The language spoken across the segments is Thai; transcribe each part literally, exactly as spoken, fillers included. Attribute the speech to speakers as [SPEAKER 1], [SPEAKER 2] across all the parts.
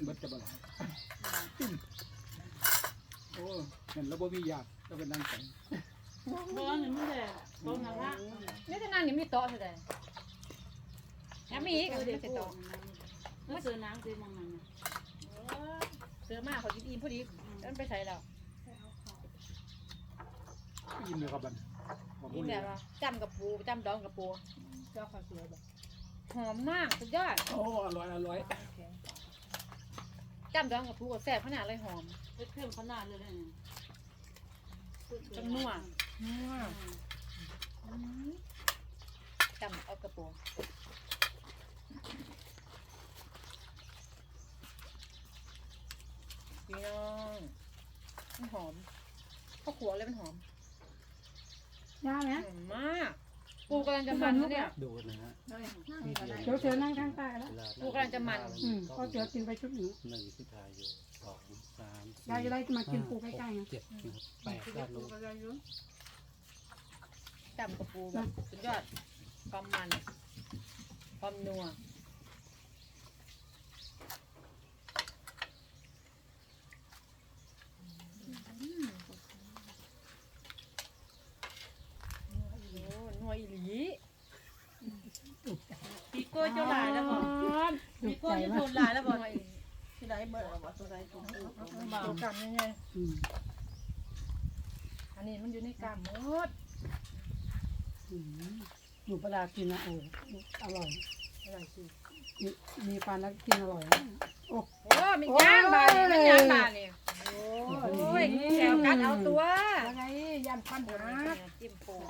[SPEAKER 1] บัดจะบ่ล่ะโอ้เห็นแล้วบ่มีญาติก็เป็นนางแต่ง
[SPEAKER 2] บ่นี่มันแหละตรงนั้นละ
[SPEAKER 3] นี่จะนั่งนี่มีโต๊ะเท่าใดแล้วมีอีกไม่ใช่โต๊ะ
[SPEAKER 2] มันเสือน้ำเสือมองนั่น
[SPEAKER 3] เสือมากเขากินอิ่มพอดีมันไปใส่แล้ว
[SPEAKER 1] อิ่มเลยครับบัด
[SPEAKER 3] อิ่มแบบว่าจำกับปูจำดองกับปูเจ้าข้าวสวยแบบหอมมากสุดยอด
[SPEAKER 1] โอ้อร่อยอร่อย
[SPEAKER 3] จำดองกับปูก็แซ่บขนาดเลยหอม
[SPEAKER 2] เครื่องขนาดเลยเนี่ย
[SPEAKER 3] จังนัวนัวจำเอากระปูพี่น้องมันหอมข้าวขัวเลยมันหอม
[SPEAKER 4] ยากไหม
[SPEAKER 3] หอมมากปูกำลังจะมันเนี่ย
[SPEAKER 5] ดูนะฮะ
[SPEAKER 4] เดี๋ยวเสือนั่งข้างใต้แล้ว
[SPEAKER 3] ปูกำลังจะมัน
[SPEAKER 4] อืมก็เสือกินไปชุดหนึ่ง
[SPEAKER 5] หนึ่งที่ทายอยู่สองสาม
[SPEAKER 4] ยายจะได้มากินปูใกล้ๆไง
[SPEAKER 5] เจ็ดแปดด้านนู้น
[SPEAKER 3] จำกับปูแบบสุดยอดความมันความนัวนัวอีหลี
[SPEAKER 2] ปีโก้เจ้าหลายแล้วบ่ปีโก้จะโดนหลายแล้วบ่ที่ไหนเบิดบ่ตัวใดตัวนึงตัวกันยังไงอันนี้มันอยู่ในกามหมด
[SPEAKER 4] หนูปลากินนะโอ้อร่อย
[SPEAKER 2] อะไรสิ
[SPEAKER 4] มีมีปลาแล้วกินอร่อยโอ้
[SPEAKER 3] โอ้มีย่างบาเนี่ยมันย่างบาเนี่ยโอ้ยแถวกันเอาตัว
[SPEAKER 4] ยังไงยันฟันหา
[SPEAKER 3] จิ้มปู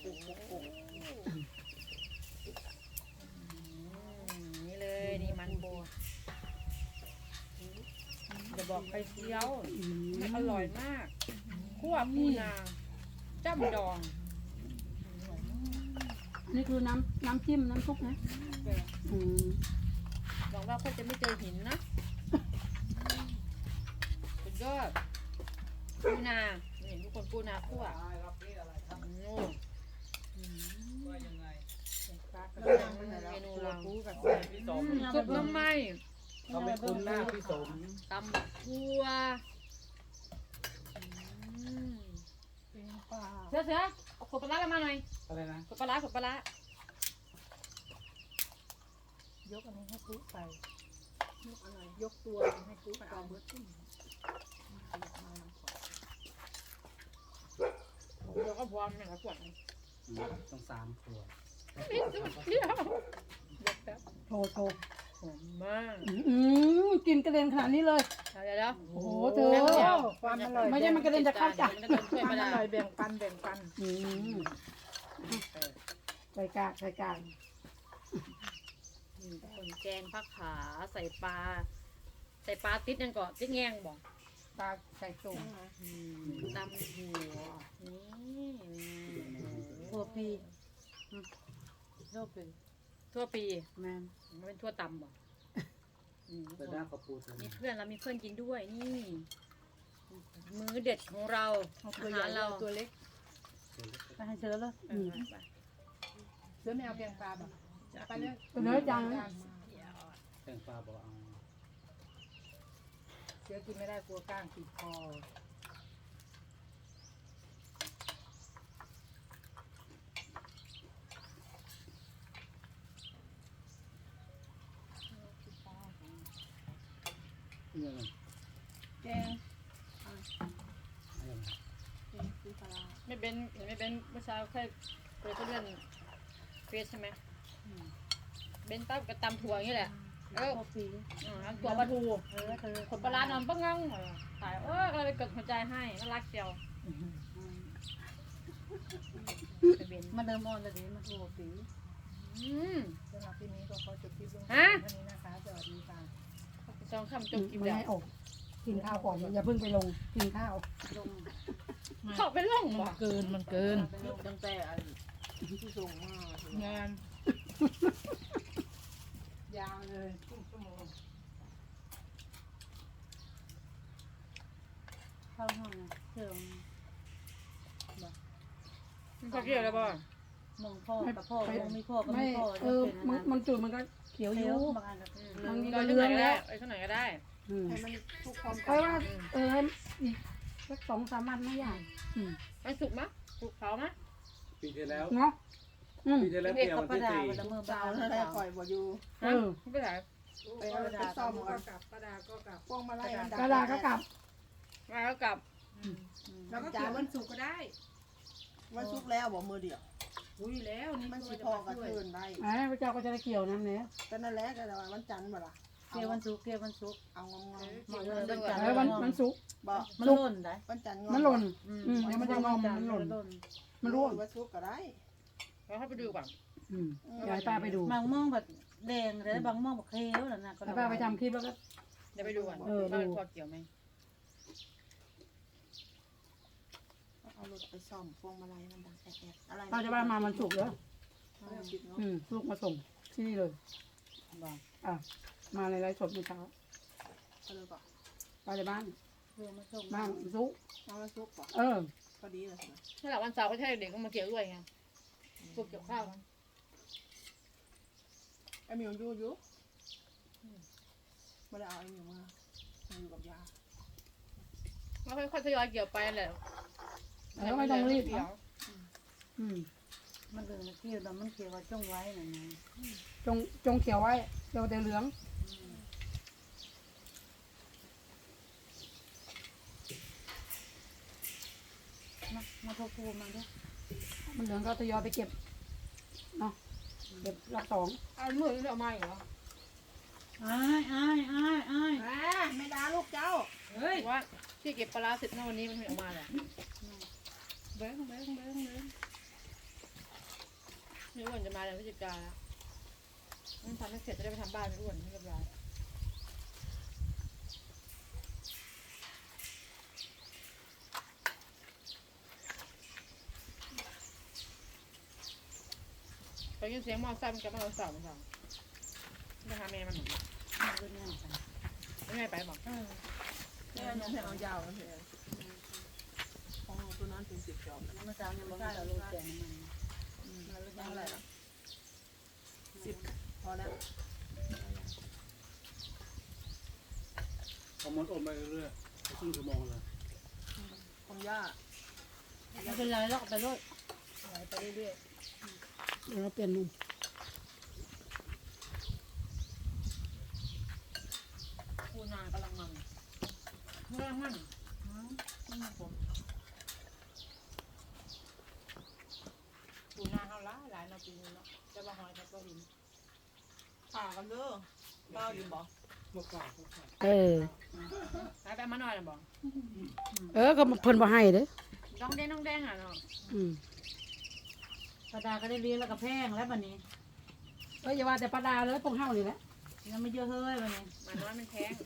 [SPEAKER 3] นี่เลยนี่มันปูจะบอกไปเที่ยวอร่อยมากคั่วปูนาจ้ำดอง
[SPEAKER 4] นี่คือน้ำน้ำจิ้มน้ำซุปนะอืม
[SPEAKER 3] หวังว่าคนจะไม่เจอหินนะสุดยอดปูนาเห็นทุกคนปูนาคั่วโอ้เมนูเราซุปน้ำไหม้
[SPEAKER 1] เขาไม่คุ้นหน้าพี่สม
[SPEAKER 3] ตำบักทั่วเสือเสือเอาขวดปลาร้ามาหน่อย
[SPEAKER 1] อะไรนะ
[SPEAKER 3] ขวดปลาร้าขวดปลาร้าย
[SPEAKER 2] กอันนี้ให้ปุ๊ไปยกอะไรยกตัวให้ปุ๊ไปเอาเบิร์ดขึ้น
[SPEAKER 3] เดี๋ยวก็พร้อมเนี่ยขวด
[SPEAKER 5] ต้องสามขวด
[SPEAKER 3] นี่สุดเดียวเดี๋ยวแป๊บ
[SPEAKER 4] โทรโทร
[SPEAKER 3] หอมมาก
[SPEAKER 4] อืมกินกระเด็นขนาดนี้เลย
[SPEAKER 3] เดี๋ยวเดี๋ยว
[SPEAKER 4] โอ้โหเธอ
[SPEAKER 2] ความอร่อย
[SPEAKER 4] ไม่ใช่มันกระเด็นจะเข้าจัก
[SPEAKER 3] มันจะเป็นถ้วย
[SPEAKER 2] ความ
[SPEAKER 3] ปลา
[SPEAKER 2] อ
[SPEAKER 3] ร้า
[SPEAKER 2] ร่อยแบ่งปันแบ่งปัน
[SPEAKER 4] อืมใส่กากใส่กาก
[SPEAKER 3] คนแกงผักขาใส่ปลาใส่ปลาติดนั่นก่อนติดแง่งบอก
[SPEAKER 4] ตาใส่ตุ่ม
[SPEAKER 3] ตำหัวนี่
[SPEAKER 2] หัวปีโรคเป็น
[SPEAKER 3] ทั่วปี
[SPEAKER 4] แมน
[SPEAKER 3] มันเป็นทั่วตำบ่อืม
[SPEAKER 5] แต่ด้านกระปูตัว
[SPEAKER 3] มี
[SPEAKER 5] นี้
[SPEAKER 3] เพื่อนเรามีเพื่อนกินด้วยนี่ มื้อเด็ดของเราอา
[SPEAKER 2] ตัวใหญ่
[SPEAKER 3] หารเรา
[SPEAKER 2] ตัวเล็ก
[SPEAKER 4] ไปให้เชื้อเลย
[SPEAKER 3] เออไป
[SPEAKER 2] เสือไม่เอาแกงปลาบ่ไปเลย
[SPEAKER 4] เนื้อจัง
[SPEAKER 5] แตงปลาบอกเอา
[SPEAKER 2] เสือกินไม่ได้กลัวก้างติดคอ
[SPEAKER 5] เนี่ยมัน
[SPEAKER 2] แกง
[SPEAKER 5] อะไรนะ
[SPEAKER 3] ไม่เป็นเห็นไม่เป็นเมื่อเช้าแค่เปิดเลื่อนเฟซใช่ไหมเบนตั้งกระตำถั่วอย่างนี้แหละเออ
[SPEAKER 2] หัวปี
[SPEAKER 3] อืมถั่วปลาทู
[SPEAKER 2] เออเธอ
[SPEAKER 3] ขนปลาร้านอนปังงังตายเออก็เลยไปกดหัวใจให้น่ารักเจียวไปเบน
[SPEAKER 2] มาเดิมออนเลยดิมาหัวปี
[SPEAKER 3] อืม
[SPEAKER 2] สำหรับที่นี้ก็ขอจบคลิปลง
[SPEAKER 3] ฮะ
[SPEAKER 2] วันนี้นะคะสวัสดีค่ะ
[SPEAKER 3] สองคำจบกิน
[SPEAKER 4] ไม่
[SPEAKER 3] แล้ว
[SPEAKER 4] ให้ออกกินข้าวก่อนอย่าเพิ่งไปลงกินข้าว
[SPEAKER 2] ลง
[SPEAKER 3] เขาเป็นร่องบ่
[SPEAKER 2] เกินมันเกินตั้งแต่ที่ส่งมาง
[SPEAKER 3] าน
[SPEAKER 2] ยาวเลยครึ่งชั่วโมงเข้าห้องเชิง
[SPEAKER 3] มันก็เกี่ยวแล้วบ่
[SPEAKER 2] มองพ่อกับพ่อมองไม่พ่อก็
[SPEAKER 4] ไม่
[SPEAKER 2] ไม่พ่อ
[SPEAKER 4] เออมันมันจุดมันก็เขียวอ
[SPEAKER 2] เลี้ย
[SPEAKER 4] ยู่
[SPEAKER 2] วบางอันก็
[SPEAKER 3] อืมก็ช่วงไหนก็ได้ไอ้ช่วงไหนก็ได้
[SPEAKER 4] อืม
[SPEAKER 2] ให้มันทุกความ
[SPEAKER 4] เพราะว่าเอออีกสักสองสามวันไม่ยากอืม
[SPEAKER 3] มันสุกมั้ยสุกเผามั้ย
[SPEAKER 1] ปีที่แล้ว
[SPEAKER 4] เนาะอืม
[SPEAKER 1] ปีที่แล้ว
[SPEAKER 2] เด็ก
[SPEAKER 1] เกี่ยว
[SPEAKER 2] กับ
[SPEAKER 1] วัน
[SPEAKER 2] ป้า
[SPEAKER 1] ที่
[SPEAKER 2] ดา
[SPEAKER 1] สี่
[SPEAKER 2] วันละมือบ้าแล้วได้ปล่อยบ่อยู่
[SPEAKER 4] เออ
[SPEAKER 3] ไม่เป็นไร
[SPEAKER 2] ไปเอาไปซ่อมก่อน
[SPEAKER 6] กลับป้าดาก็กลับ
[SPEAKER 2] พวงมาลัยมัน
[SPEAKER 4] กระดาษก็กลับ
[SPEAKER 3] มาแล้วกลับ
[SPEAKER 6] แล้วก็เกี่ยววันศุกร์ก็ได้
[SPEAKER 2] วันศุกร์แล้วบ่มือเดียว
[SPEAKER 6] อุ้ยแล้วนี่
[SPEAKER 2] มัน
[SPEAKER 6] ก็
[SPEAKER 2] สิ
[SPEAKER 6] จะ
[SPEAKER 2] พอ
[SPEAKER 6] มา
[SPEAKER 2] กับ
[SPEAKER 6] ช่วย
[SPEAKER 2] คืนได้
[SPEAKER 4] อ่าพระเจ้าก็จะได้เกี่ยวน้ำเนี่ย
[SPEAKER 2] ก็นั่นแหละก็แต่ว่าวันจันทร์บ่ล่ะ
[SPEAKER 7] เกี่ยววันศุกร์เกี่ยววันศุกร์
[SPEAKER 2] เอางอม
[SPEAKER 7] หมดเลยวันจันท
[SPEAKER 4] เอ
[SPEAKER 7] ร์
[SPEAKER 4] อวันมันสุกร์
[SPEAKER 2] ๆบ่
[SPEAKER 7] มันหล่นได้
[SPEAKER 2] วันจันทร์
[SPEAKER 4] มันหล่น
[SPEAKER 7] อืม
[SPEAKER 4] อืมเดี๋ยวมันจะงอมมันหล่น มันร่วง
[SPEAKER 2] วันศุกร์ก็ได้
[SPEAKER 3] เราเข้าไปดูก่อน
[SPEAKER 4] อืมเดี๋ยวให้ป้าไปดู
[SPEAKER 7] บางม่วงแบบแดงแต่บางม่วงแบบเขียวน่ะนะก็
[SPEAKER 4] ให้ป้าไปทำคลิปแล้วก็
[SPEAKER 3] เดี๋ยวไปดูก่อน
[SPEAKER 4] เออดู
[SPEAKER 3] ว่ามันพอเกี่ยวไหม
[SPEAKER 2] เอารถไปซ่อมพวงมาลัยมันดังแอะๆอะไร
[SPEAKER 4] ป้าจะว่ามามันสุกร์เหรอ
[SPEAKER 2] เอาผิดเนาะ
[SPEAKER 4] อืมลูกมาส่งที่นี่เลย
[SPEAKER 7] บอก
[SPEAKER 4] อ่ะมาในไลฟ์สดเมื่อเช้า
[SPEAKER 2] เอาเลยก่อน
[SPEAKER 4] ป้าในบ้าน
[SPEAKER 7] เรื่องมาส่ง
[SPEAKER 4] บ้านสุกร์
[SPEAKER 2] เอาวันศุกร์ก่อน
[SPEAKER 4] เออ
[SPEAKER 2] พอดีเลยนะ
[SPEAKER 3] ถ้าหลังวันเสาร์ก็ใช่เด็กก็มาเกี่ยวด้วยไงพวกเกี่ยวข้าวกัน
[SPEAKER 2] ไอ้หมิวอยู่อยู่ไม่ได้เอาไอ้หมิวมามันอยู่กับยา
[SPEAKER 3] แล้วค่อยๆทยอยเกี่ยวไปแหละ
[SPEAKER 4] แล้วไม่ต้องรีบ
[SPEAKER 3] เกี่ยว
[SPEAKER 4] อืม
[SPEAKER 7] มันเรื่องเกี่ยวแต่มันเกี่ยวว่าจ้องไว้น่ะนะ
[SPEAKER 4] จงจงเขียวไว้เขียวแต่เหลือง
[SPEAKER 7] มามาโทรโทรมาด้วย
[SPEAKER 4] มันเหลืองก็ทยอยไปเก็บเนาะเก็บรอบสอง
[SPEAKER 3] เอามือนี่เอามาอีกเหรอ
[SPEAKER 7] อ้ายอ้ายอ้ายอ้าย
[SPEAKER 2] อ่าไม่ด่าลูกเจ้า
[SPEAKER 6] เฮ้ย
[SPEAKER 3] ว่าที่เก็บปลาร้าเสร็จนะวันนี้มันไม่ออกมาแหละเบ้งเบ้งเบ้งเบ้งไม่อ้วนจะมาเดือนพฤศจิกาแล้วมันทำให้เสร็จจะได้ไปทำบ้านไม่อ้วนไม่เรียบร้อยตอนนี้เสียงมอไซค์มันกลับมาเราสาวมันสาวไปหาแม่มันหน่อย
[SPEAKER 7] มาด้วยเนี่ยกัน
[SPEAKER 3] ไม่ไงไปบอก
[SPEAKER 2] แม่ยังให้เอายาวกันเถอะของเราตัวนั้นเป็นสิบจอบ
[SPEAKER 7] เมื่อเช้าเนี่ยบอกว่าจะรู้แก่น้ำมัน
[SPEAKER 2] มาเลือกยังไงล่ะสิบพอแล้ว
[SPEAKER 1] เอามันอมไปเรื่อยๆครึ่งชั่วโมงเลย
[SPEAKER 2] ของย่า
[SPEAKER 7] ไม่เป็นไรแล้วก็ไปรถ
[SPEAKER 3] ไหลไปเรื่อย
[SPEAKER 4] เดี๋ยวเราเปลี่ยนมุม
[SPEAKER 3] ๆปูนากำลังมันกำลังมันมันมาผมปูนาเขาละหลายนาปีนึงเนาะจะมาหอยกับตัวหิน
[SPEAKER 2] ผ่ากันเด้อเมาอยู่บ่
[SPEAKER 1] เมื่อก่อนเมื่อก่อน
[SPEAKER 4] เออ
[SPEAKER 3] หายไปมาหน่อยนะบอก
[SPEAKER 4] เออก็เพิ่นบ่ให้เด้อ
[SPEAKER 3] น้องแดงน้องแดงอ่ะเนาะ
[SPEAKER 4] อืม
[SPEAKER 7] ปลาดาก็ได้เลี้ยงแล้วก็แพงแล้วบัดนี้
[SPEAKER 4] เอ้ยอย่าว่าแต่ปลาดาเลยพวกเฮานี่แหละ
[SPEAKER 7] ยังไม่เยอะเฮ้ยบัดนี้
[SPEAKER 3] มันน้อยมันแพง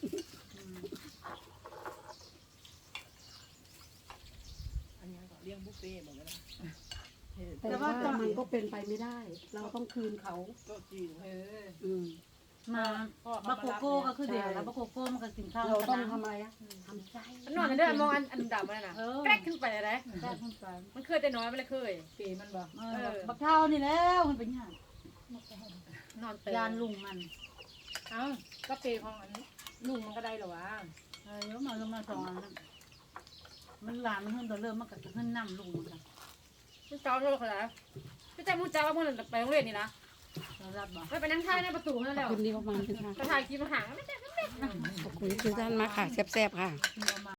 [SPEAKER 2] อันนี้ก็เลี้ยงบุฟเฟ่ต์หมดแล้วนะ
[SPEAKER 4] แต่ว่ามันก็เป็นไปไม่ได้ เราต้องคืนเขา
[SPEAKER 2] โต๊ะจีน
[SPEAKER 3] เออ
[SPEAKER 4] อืม
[SPEAKER 7] มาบักโกโก้ก็คือเดียวแล้วบักโกโก้มันก็กินข้าว
[SPEAKER 4] เรา
[SPEAKER 7] กัน
[SPEAKER 4] ต้อง
[SPEAKER 7] นะ
[SPEAKER 4] ทำอะไรอะทำใจ
[SPEAKER 3] มันนอนกันเด้อมองอันอันดำมันน่ะ
[SPEAKER 7] เออ
[SPEAKER 3] แกรกขึ้นไปเลยนะ
[SPEAKER 7] แซ่บขึ้นไป
[SPEAKER 3] มันเคยแต่น้อยมันเลยเคย
[SPEAKER 6] ปีมันบอก
[SPEAKER 7] เออบักเท่านี่แล้วมันเป็นยัง
[SPEAKER 3] นอนเตื
[SPEAKER 7] ยานลุงมัน
[SPEAKER 3] เอ้าก็เปย์ของอันนี้ลุงมันก็ได้หรอวะ
[SPEAKER 7] เออแล้วมาลงมาสองอันนั้นมันหลานมันเพิ่งตัวเริ่มมันก็จะขึ้นน้ำลุงมันค่ะ
[SPEAKER 3] พี่เจ้าโทษเขาแล้วพี่เจ้ามูจ้าว่าเมื่อไปโรงเรียนนี่นะ
[SPEAKER 7] เรารับบ่
[SPEAKER 3] ไปไปนั่งท่าในประตูนั่นแห
[SPEAKER 4] ข
[SPEAKER 3] ละ
[SPEAKER 4] อบคุณที่เข้ามาทุกท่าน
[SPEAKER 3] ไปถ่ายคลิปมาหางไม่ใช่
[SPEAKER 4] ขอบคุณทุกท่านมากค่ะแซ่บๆค่ะ
[SPEAKER 7] เอามา